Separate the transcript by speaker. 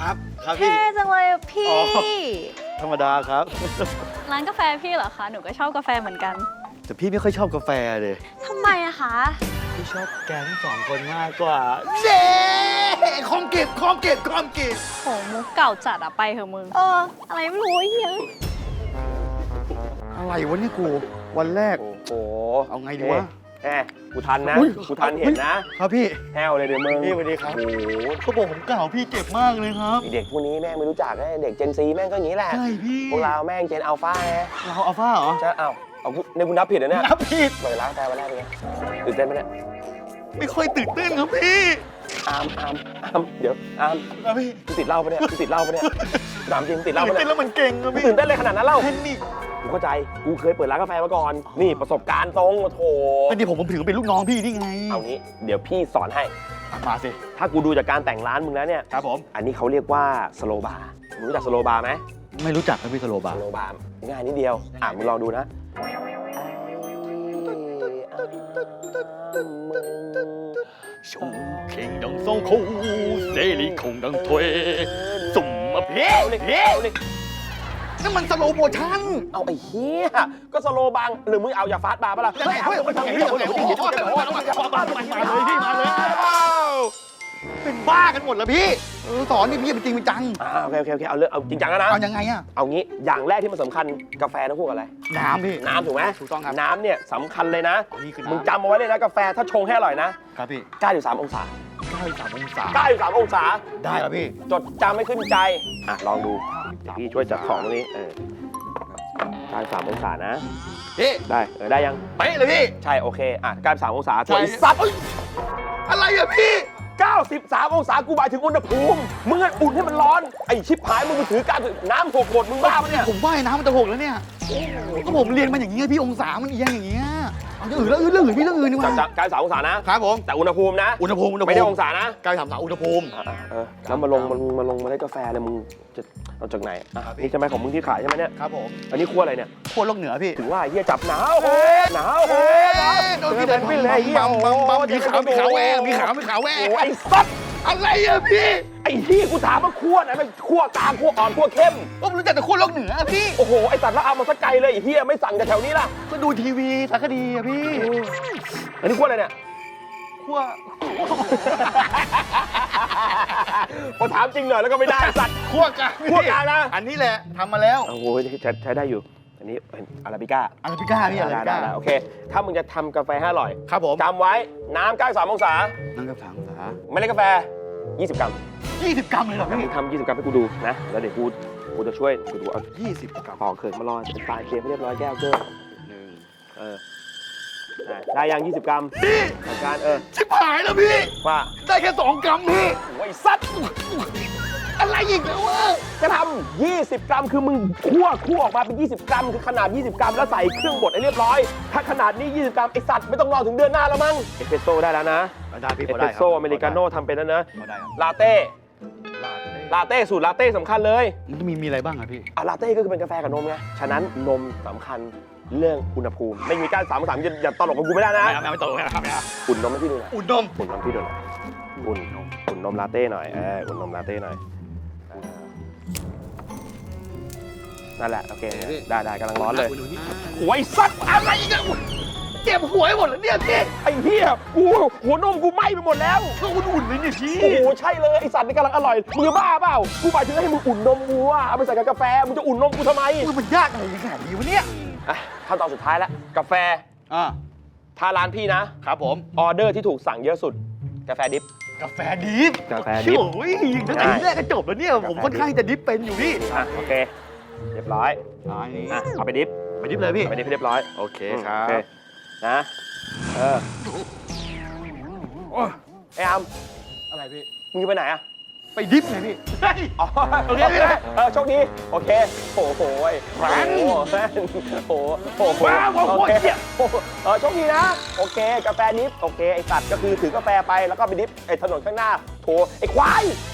Speaker 1: ครับครับพี่
Speaker 2: เท่จังเลยพี่
Speaker 1: ธรรมดาครับ
Speaker 2: ร้านกาแฟพี่เหรอคะ หนูก็ชอบกาแฟเหมือนกัน
Speaker 1: แต่พี่ไม่ค่อยชอบกาแฟเลย
Speaker 2: ทำไมอะคะ
Speaker 1: พี่ชอบแกทั้งสองคนมากกว่าเย้ของเก็บ
Speaker 2: โหมุกเก่าจัดอะไปเถอะมึง อะไรไม่รู้ไอ้เหี้ย
Speaker 1: อะไรวะเนี่ยกูวันแรก
Speaker 3: โอ้โห
Speaker 1: เอาไงดีวะ
Speaker 3: แหมกูทันนะ
Speaker 1: อุ๊ย
Speaker 3: กูทันเห็นนะ
Speaker 1: ครับพี่
Speaker 3: แฮวเลยเดี๋ยวมึง
Speaker 1: พี่สวัสดีครับ
Speaker 3: โอ้โห
Speaker 1: เขาบอกผมเก่าพี่เจ็บมากเลยครับ
Speaker 3: ไอ้เด็กพวกนี้แม่งไม่รู้จักนะเด็กเจนซีแม่งก็อย่างนี้แหละ
Speaker 1: ใช่พี่
Speaker 3: พวกเราแม่งเจนอัลฟาไง
Speaker 1: เราอัลฟาเหรอ
Speaker 3: จะเอาในคุณนับผิดเหรอเนี่ย
Speaker 1: นับผิด
Speaker 3: เปิดร้านกาแฟวันแรกเป็นไงตื่นเต้นไหมเนี่ย
Speaker 1: ไม่ค่อยตื่นเต้นครับพี่
Speaker 3: อามเดี๋ยวอาม
Speaker 1: ครับพี่
Speaker 3: มึงติดเหล้าปะเนี่ยมึงติดเหล้าปะเนี่ยถามจริงมึงติดเหล้า
Speaker 1: ตื่น
Speaker 3: ปะ
Speaker 1: เต้น
Speaker 3: เนี่ย
Speaker 1: แล้วมันเก่งครับ
Speaker 3: มึง
Speaker 1: พี่
Speaker 3: ตื่นเต้นเลยขนาดนั้นเล่า
Speaker 1: แพนิค
Speaker 3: กูเข้าใจกูเคยเปิดร้านกาแฟมาก่อน นี่ประสบการณ์ตรงโอ้โถ
Speaker 1: อันนี้ผมถือเป็นลูกน้องพี่นี่ไง
Speaker 3: เอางี้เดี๋ยวพี่สอนให้
Speaker 1: มาสิ
Speaker 3: ถ้ากูดูจากการแต่งร้านมึงแล้วเนี่ย
Speaker 1: ครับผม
Speaker 3: อันนี้เขาเรียกว่าสโลบาร์มึงรู้จักสโลบาร์ไหม
Speaker 1: ไม่รู้จักครับพี่สโลบา
Speaker 3: ส
Speaker 1: ร์
Speaker 3: โลบาร์ง่ายนิดเดียวมึงลองดูนะมึง
Speaker 1: ชงเข่งดังโซ่คูเซรีคงดังถวยสุ่มมาเพี้ย
Speaker 3: เอาเลยเอาเลย
Speaker 1: นั่นมันสโลโมชั่น
Speaker 3: เอาไอ้เหี้ยก็สโลบางหรือมึงเอาอย่าฟาสต์บาร์ปะล่ะ
Speaker 1: ยังไงเฮ้ยมาเลยพี่มาเลยเป็นบ้ากันหมดแล้วพี่สอนนี่พี่เป็นจริงเป็นจัง
Speaker 3: โอเคเอาเรื่องเอาจริงจังแล้วนะ
Speaker 1: เอายังไงอะ
Speaker 3: เอางี้อย่างแรกที่มันสำคัญกาแฟต้องพูดอะไร
Speaker 1: น้ำพี่
Speaker 3: น้ำถูกไหม
Speaker 1: ถูกต้องครับ
Speaker 3: น้ำเนี่ยสำคัญเลยนะ
Speaker 1: นี่คือ
Speaker 3: มึง
Speaker 1: น้ำ
Speaker 3: จำเอาไว้เลยนะกาแฟถ้าชงให้อร่อยนะครับ
Speaker 1: พี่
Speaker 3: 93องศา
Speaker 1: 93องศา
Speaker 3: 93องศา
Speaker 1: ได้แล้วพี่
Speaker 3: จดจำไม่ขึ้นใจลองดูเดี๋ยวพี่ช่วยจัดของตรงนี้93องศานะ
Speaker 1: พี่
Speaker 3: ได้ได้ยัง
Speaker 1: เป๊ะเลยพี่
Speaker 3: ใช่โอเค93องศาถวยซับ
Speaker 1: อะไรอะพี่
Speaker 3: 93องศากูหมายถึงอุณหภูมิมึงอุ่นให้มันร้อนไอ้ชิบหายมึงไปถือน้ำหกหมดมึงบ้าปะเนี่ย
Speaker 1: ผมว่ายน้ำมันจะหกแล้วเนี่ยก็ผมเรียนมาอย่างนี้พี่องศามันเอียงอย่างเงี้ยเอาอย่างอื่นแล้วเรื่องอื่นพี่เรื่องอื่นดีกว่า
Speaker 3: จาก93องศานะครับ
Speaker 1: ผม
Speaker 3: แต่อุณหภูมินะ
Speaker 1: อุณหภูมิ
Speaker 3: ไม่ได้องศานะ
Speaker 1: 93อุณหภูมิ
Speaker 3: แล้วมาลงเมล็ดกาแฟเนี่ยมึงจะเอาจากไหนนี่ใช่ไหมของมึงที่ขายใช่ไหมเนี่ย
Speaker 1: ครับผม
Speaker 3: อันนี้คั่วอะไรเนี่ย
Speaker 1: ขั้วโลกเหนือพี่
Speaker 3: ถึงว่าเฮียจับหนาวหนาว
Speaker 1: โดนพี่เดิน
Speaker 3: เป็นเลยเฮีย
Speaker 1: บัมมีขาวแหวมีขาวแหว
Speaker 3: โอ้ไอ้สัตว์
Speaker 1: อะไรอะพี่
Speaker 3: ไอ้ที่กูถามว่าคั่วไหนมันคั่วกลางคั่วอ่อนคั่วเข้ม
Speaker 1: ผมรู้จักแต่ขั้วโลกเหนือพี่
Speaker 3: โอ้โหไอ้สัตว์แล้วเอามาสักไกลเลยไอ้เฮียไม่สั่งจากแถวนี้ล่ะ
Speaker 1: ก็ดูทีวีสารคดีอะพี่
Speaker 3: อันนี้คั่วอะไรเนี่ย
Speaker 1: ขั้ว
Speaker 3: พอถามจริงหน่อยแล้วก็ไม่ได้สัตว์
Speaker 1: ขั้วกลาง
Speaker 3: คั่วกลางนะ
Speaker 1: อันนี้แหละทำมาแล้ว
Speaker 3: โอ้โหใช้ได้อยู่อันนี้เป็นอาราบิก้า
Speaker 1: อาราบิก้าพี่อาราบิก้า
Speaker 3: ได้โอเคถ้ามึงจะทำกาแฟให้อร่อย
Speaker 1: ครับผม
Speaker 3: จำไว้น้ำ93องศา
Speaker 1: นั่งกับ3องศา
Speaker 3: เมล็ดกาแฟ 20 กรัม
Speaker 1: 20 กรัมเลยเหรอ
Speaker 3: มึ
Speaker 1: พี่
Speaker 3: งทำ20 กรัมให้กูดูนะ แล้วเดี๋ยวกูจะช่วยกูดูเอา
Speaker 1: 20 กรัม
Speaker 3: ปอกเขินมารอเป็นปลายเตรียมให้เรียบร้อยแก้วเกอร์ได้ยัง 20 กรัม
Speaker 1: พี่
Speaker 3: จัดการ
Speaker 1: ชิบหายแล้วพี่
Speaker 3: ว่า
Speaker 1: ได้แค่2 กรัมพี่
Speaker 3: โอ้ยสัตว์
Speaker 1: อะไรอีกแล้ววะ
Speaker 3: จะทำ20 กรัมคือมึงคั่วออกมาเป็น 20 กรัมคือขนาด 20 กรัมแล้วใส่เครื่องบดให้เรียบร้อย ถ้าขนาดนี้ 20 กรัมไอสัตว์ไม่ต้องรอถึงเดือนหน้าแล้วมั้งเอสเปรสโซ่ได้แล้วนะ
Speaker 1: ได้พี่
Speaker 3: เอสเปรสโซ่อเมริกาโน่ทำเป็นแล้วนะ
Speaker 1: ได้ครับ
Speaker 3: ลาเต้ลาเต้สูตรลาเต้สำคัญเลย
Speaker 1: มันมีอะไรบ้างอะพี่
Speaker 3: ลาเต้ก็คือเป็นกาแฟกับนมไง ฉะนั้นนมสำคัญเรื่องอุณหภูมิ ไม่มีการ3 3อย่าตลกกับกูไม่ได้นะ
Speaker 1: ไม่ตกไม่ครับ
Speaker 3: อุ่นนมให้พี่ดูหน่อย
Speaker 1: อุ่นนม
Speaker 3: อุ่นนมพี่ดูหน่อยอุ่นนมลาเต้หน่อยอุ่นนมลาเต้หน่อยนั่นแหละ โอเค ได้กำลังร้อนเลยโอ้ยสัตว์
Speaker 1: อะไรอีกอะเจ็บหัวหมดแล้วเนี่ยพี่
Speaker 3: ไอ้เหี้ยกูหัวนมกูไหม้ไปหมดแล้ว
Speaker 1: ก็อุ่นๆเลยเนี่ยพี่
Speaker 3: โอ้โหใช่เลยไอสัตว์นี่กำลังอร่อยมึงจะบ้าเปล่ากูหมายถึงให้มึงอุ่นนมกูอะเอาไปใส่กับกาแฟมึงจะอุ่นนมกูทำไม
Speaker 1: มันยากอะไรขนาดนี้วะเนี่ย
Speaker 3: ขั้นตอนสุดท้ายแล้วกาแฟถ้าร้านพี่นะครับ
Speaker 1: ผม
Speaker 3: ออเดอร์ที่ถูกสั่งเยอะสุดกาแฟดิฟ
Speaker 1: กาแฟดิฟ
Speaker 3: กาแฟดิฟ
Speaker 1: โอ้ยตั้งแต่แรกก็จบแล้วเนี่ยผมค่อนข้างจะดิฟเป็นอยู่พี่
Speaker 3: โอเคเรียบร้อย
Speaker 1: นี่
Speaker 3: เอาไปดิฟ
Speaker 1: ไปดิฟเลยพี่
Speaker 3: ไปดิฟให้เรียบร้อย
Speaker 1: โอเคครับ
Speaker 3: โอเคนะไอ้อาม
Speaker 1: อะไรพี่
Speaker 3: มึงจะไปไหนอะ
Speaker 1: ไปดิฟไงพี่
Speaker 3: อ๋อ
Speaker 1: โอเคพี่
Speaker 3: โชคดีโอเคโอ้โหแฟนโอ้โห
Speaker 1: ว้าวโคตรเจี๊ยบ
Speaker 3: โชคดีนะโอเคกาแฟดิฟโอเคไอสัตว์ก็คือถือกาแฟไปแล้วก็ไปดิฟไอถนนข้างหน้าโถไอควาย